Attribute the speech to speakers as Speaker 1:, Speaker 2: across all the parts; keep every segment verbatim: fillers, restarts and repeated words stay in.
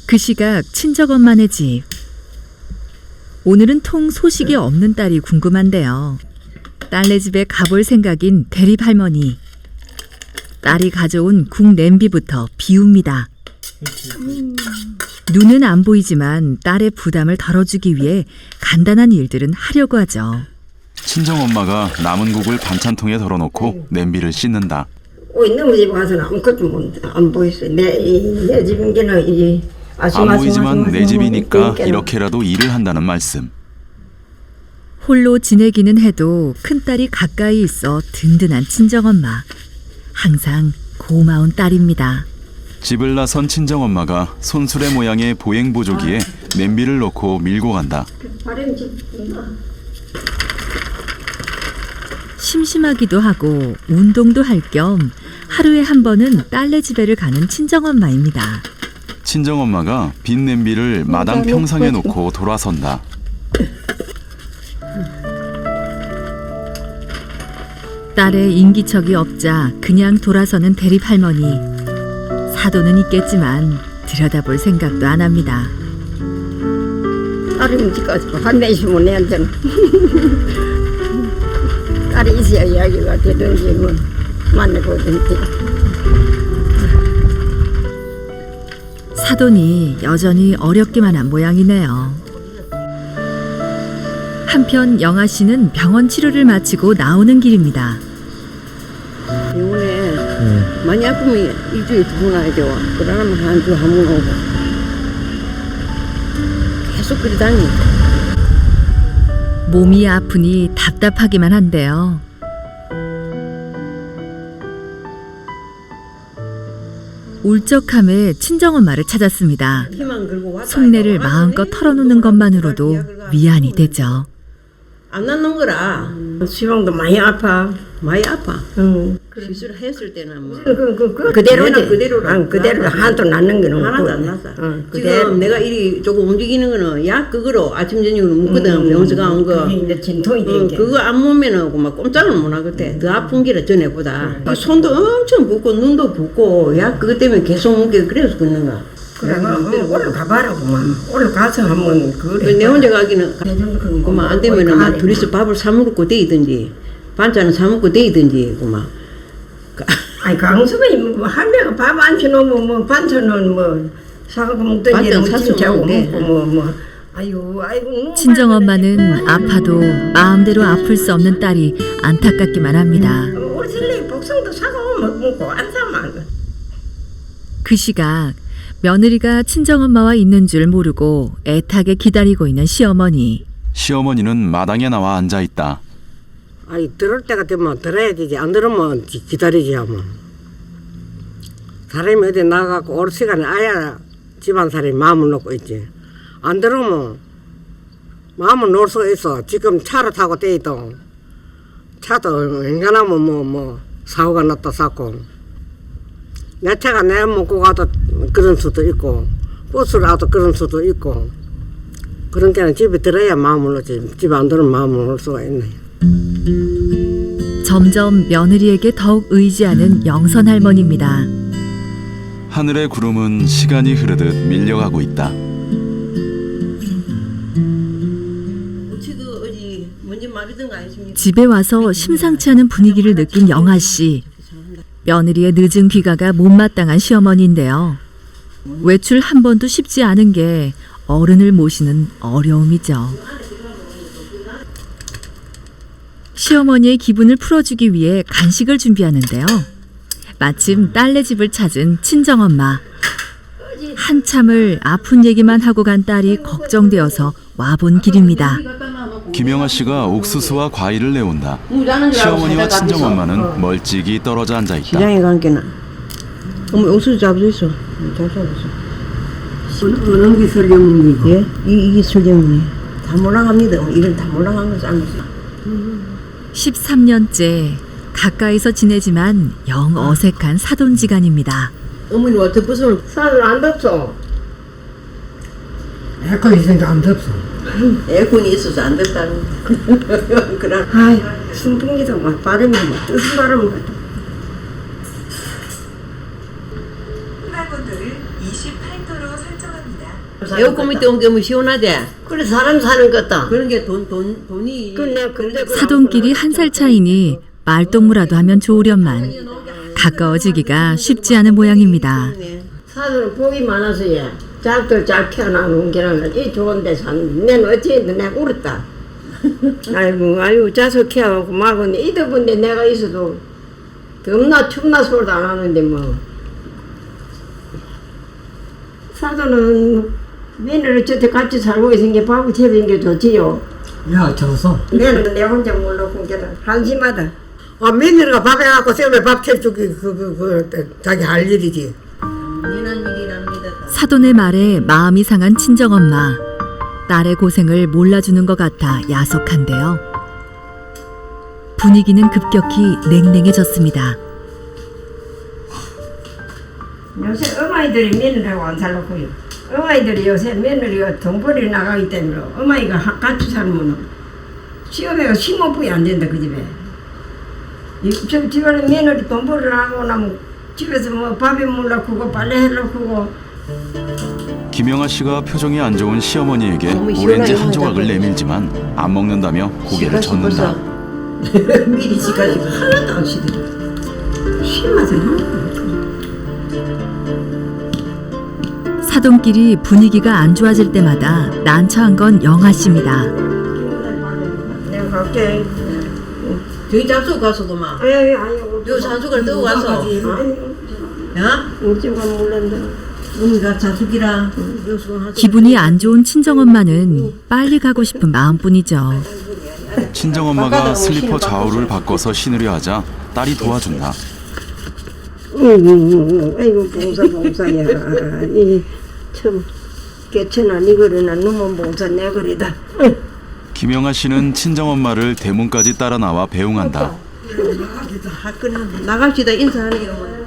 Speaker 1: 그 시각 친정엄마네 집. 오늘은 통 소식이 없는 딸이 궁금한데요. 딸네 집에 가볼 생각인 대립할머니. 딸이 가져온 국 냄비부터 비웁니다. 눈은 안 보이지만 딸의 부담을 덜어주기 위해 간단한 일들은 하려고 하죠.
Speaker 2: 친정엄마가 남은 국을 반찬통에 덜어놓고 냄비를 씻는다.
Speaker 3: 우리 너무 집에 가서는 아무것도 안 보였어요. 내, 내 집인 게는 이제
Speaker 2: 안 보이지만 내 집이니까 이렇게라도 일을 한다는 말씀.
Speaker 1: 홀로 지내기는 해도 큰딸이 가까이 있어 든든한 친정엄마. 항상 고마운 딸입니다.
Speaker 2: 집을 나선 친정엄마가 손수레 모양의 보행보조기에 냄비를 넣고 밀고 간다.
Speaker 1: 심심하기도 하고 운동도 할 겸 하루에 한 번은 딸네 집에를 가는 친정엄마입니다.
Speaker 2: 친정엄마가 빈 냄비를 마당 평상에 놓고 돌아선다.
Speaker 1: 딸의 인기척이 없자 그냥 돌아서는 대립할머니. 사도는 있겠지만 들여다볼 생각도 안 합니다.
Speaker 3: 딸이 묵직하지 한대 있으면 내한테는 딸이 있어야 이야기가 되든지 뭐 만나보든지.
Speaker 1: 사돈이 여전히 어렵기만 한 모양이네요. 한편 영아 씨는 병원 치료를 마치고 나오는 길입니다.
Speaker 3: 병원에 네. 많이 아프면 일주일에 두 번 와야 돼요. 그러면 한 주 한 번 오고 계속 그리 다니니까.
Speaker 1: 몸이 아프니 답답하기만 한데요. 울적함에 친정엄마를 찾았습니다. 속내를 마음껏 털어놓는 것만으로도 위안이 되죠.
Speaker 3: 안 낫는 거라. 시방도 많이 아파. 많이 아파. 응. 시술했을 때는 뭐. 그, 그, 그, 그대로지. 그대로. 아, 그대로 하나도 낫는 거는
Speaker 4: 하나도 안 났어.
Speaker 3: 응,
Speaker 4: 지금 내가 이리 조금 움직이는 거는 약 그거로 아침 저녁으로 먹거든. 음, 병원서 가온 거.
Speaker 3: 이제 진통이
Speaker 4: 응,
Speaker 3: 되게.
Speaker 4: 그거 안 먹으면은 막 꼼짝을 못 하거든. 더 아픈 게라 전에보다. 음. 손도 엄청 붓고 눈도 붓고 약 그것 때문에 계속 먹게 그래서 걷는가.
Speaker 3: 그래, 오늘 가봐라고만. 오늘 가서 한번 그래.
Speaker 4: 내 혼자 가기는 그만 안 되면은 막 둘이서 밥을 사 먹고 데이든지 반찬은 사 먹고 데이든지 그만.
Speaker 3: 아니 강수가 뭐 할매가 밥 안 쳐놓으면 뭐 반찬은 뭐 사갖고 먹든지 김치하고 먹고 뭐뭐 아이고 아이고.
Speaker 1: 친정엄마는 아파도 마음대로 아플 수 없는 딸이 안타깝기만 합니다.
Speaker 3: 우리 실내 복숭도 사고 먹고 안 사면. 그
Speaker 1: 시각 며느리가 친정엄마와 있는 줄 모르고 애타게 기다리고 있는 시어머니.
Speaker 2: 시어머니는 마당에 나와 앉아 있다.
Speaker 5: 아니 들을 때가 되면 들어야 되지. 안 들으면 기, 기다리지 하면. 사람이 어디 나가고 올 시간에 아야 집안 사람이 마음을 놓고 있지. 안 들으면 마음을 놓을 수가 있어. 지금 차를 타고 떼이도 차도 웬간하면 뭐 뭐 사고가 났다 쌓고 내 차가 내 먹고 가도 그런 수도 있고 버스를 가도 그런 수도 있고 그런 게는 집에 들어야 마음을 놓지. 집에 안 들으면 마음을 놓을 수가 있네.
Speaker 1: 점점 며느리에게 더욱 의지하는 영선 할머니입니다.
Speaker 2: 하늘의 구름은 시간이 흐르듯 밀려가고 있다.
Speaker 1: 집에 와서 심상치 않은 분위기를 느낀 영아 씨. 며느리의 늦은 귀가가 못마땅한 시어머니인데요. 외출 한 번도 쉽지 않은 게 어른을 모시는 어려움이죠. 시어머니의 기분을 풀어주기 위해 간식을 준비하는데요. 마침 딸네 집을 찾은 친정엄마. 한참을 아픈 얘기만 하고 간 딸이 걱정되어서 와본 길입니다.
Speaker 2: 김영아 씨가 옥수수와 과일을 내온다. 시어머니와 친정엄마는 멀찍이 떨어져 앉아 있다.
Speaker 4: 시장에 간 게나. 어머 옥수수 잡수 있어. 잘 잡았어.
Speaker 3: 어느 게 설경문이고?
Speaker 4: 예? 이, 이게 설경문이. 다 몰라갑니다. 이런 다 몰라간 거 싼 거지.
Speaker 1: 십삼 년째 가까이서 지내지만 영 어색한 사돈지간입니다.
Speaker 4: 어머니 와 덮어서
Speaker 3: 산을 안 덥소.
Speaker 5: 에어컨 있으니까 안 덥소.
Speaker 4: 에어컨이 있어서 안 됐다는 그런.
Speaker 3: 아이 순풍기도 막 바람이 막 뜨슨 바람이 막.
Speaker 6: 풍랑온도를 이십팔 도로 설정합니다.
Speaker 4: 에어컨 밑에 온 게 뭐 시원하대.
Speaker 3: 그래 사람 사는 것다.
Speaker 4: 그런 게 돈 돈 돈이.
Speaker 3: 그 내가 근데 그
Speaker 1: 사돈끼리 한 살 차이니 말동무라도 하면 좋으련만 가까워지기가 쉽지 않은 모양입니다.
Speaker 3: 사돈은 복이 많아서 얘 작들 잘 키워나는 게는 이 좋은데 사는. 내는 어찌했든 내가 울었다. 아이고 아이고 자석 키워갖고 막은 이더분데 내가 있어도 덥나 춥나 소리도 안 하는데 뭐. 사돈은 며느리 저때 같이 살고 있은 게 밥을 채는 게 좋지요.
Speaker 5: 야 저서
Speaker 3: 내는 내 혼자 몰랐고 걔는 한심하다.
Speaker 5: 아 며느리가 밥 해갖고 쌤에 밥 채주기 그그 그, 그, 자기 할 일이지.
Speaker 4: 미난 일이랍니다.
Speaker 1: 사돈의 말에 마음이 상한 친정엄마. 딸의 고생을 몰라주는 것 같아 야속한데요. 분위기는 급격히 냉랭해졌습니다.
Speaker 3: 요새 어머니들이 며느리하고 안 살고요. 어머니들이 요새 며느리가 돈벌이 나가기 때문에 어머니가 하- 같이 살면 시어머니가 심호흡이 안 된다 그 집에. 이- 저 집안에 며느리 돈벌이를 하고 나면 집에서 뭐 밥에 물 넣고 빨래 해놓고
Speaker 2: 김영아 씨가 표정이 안 좋은 시어머니에게
Speaker 4: 어머,
Speaker 2: 오렌지
Speaker 4: 시원하게
Speaker 2: 한 조각을
Speaker 4: 먹자고.
Speaker 2: 내밀지만 안 먹는다며 고개를
Speaker 4: 지가
Speaker 2: 젓는다.
Speaker 4: 벌써 미리 지가지고 하나도 안 시들어.
Speaker 3: 심하지 않아.
Speaker 1: 사돈끼리 분위기가 안 좋아질 때마다 난처한 건 영아 씨입니다.
Speaker 3: 내가 갈게.
Speaker 4: 저기 잡수 가서도 막.
Speaker 3: 아니 아니 아니.
Speaker 4: 요 산수걸 뜨고 와서. 야?
Speaker 3: 우찌가 몰랐는데.
Speaker 4: 어미가 자숙이라.
Speaker 1: 기분이 안 좋은 친정엄마는 빨리 가고 싶은 마음뿐이죠.
Speaker 2: 친정엄마가 슬리퍼 좌우를 바꿔서 신으려 하자 딸이 도와준다.
Speaker 3: 응, 아이고 봉사 봉사야. 이참 개천아 니거리나 놈은 봉사 내 거리다.
Speaker 2: 김영아 씨는 친정엄마를 대문까지 따라 나와 배웅한다.
Speaker 4: 나갑시다 인사하네요.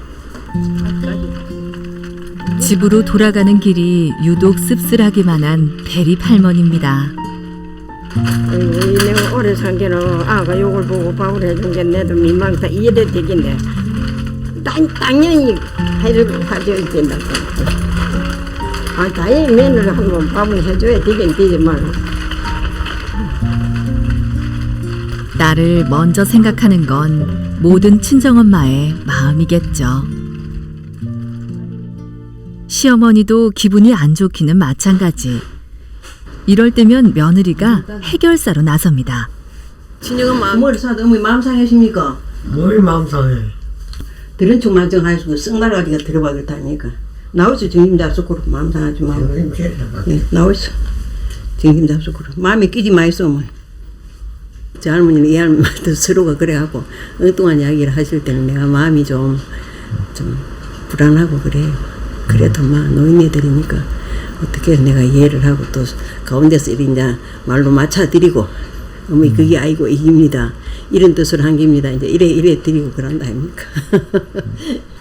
Speaker 1: 집으로 돌아가는 길이 유독 씁쓸하기만 한 대립 할머니입니다.
Speaker 3: 아이고 이 내가 오래 산 게는 아가 욕을 보고 밥을 해준 게 내도 민망다 이해돼 되긴데 당, 당연히 해주고 해줘야 된다고. 아 당연히 며느리 한번 밥을 해줘야 되긴 되지만
Speaker 1: 나를 먼저 생각하는 건 모든 친정엄마의 마음이겠죠. 시어머니도 기분이 안 좋기는 마찬가지. 이럴 때면 며느리가 해결사로 나섭니다.
Speaker 4: 친정은 마음을 사도 어머니 마음 상하십니까?
Speaker 5: 뭘 마음 상해.
Speaker 4: 들은 척 만정하시고 쓱 날아가기가 들어가겠다니까. 나오죠 정심 잡수고로 마음 상하지 말고. 예, 나오죠 정심 잡수고로. 마음에 끼지 마이소 어머니. 저 할머니는 이 할머니도 서로가 그래갖고 엉뚱한 이야기를 하실 때는 내가 마음이 좀, 좀 불안하고 그래요. 그래도 막 노인네들이니까 어떻게 내가 이해를 하고 또 가운데서 이제 말로 맞춰드리고 어머니 그게 아이고 이깁니다. 이런 뜻으로 한 겁니다. 이제 이래 이래 드리고 그런다 아닙니까?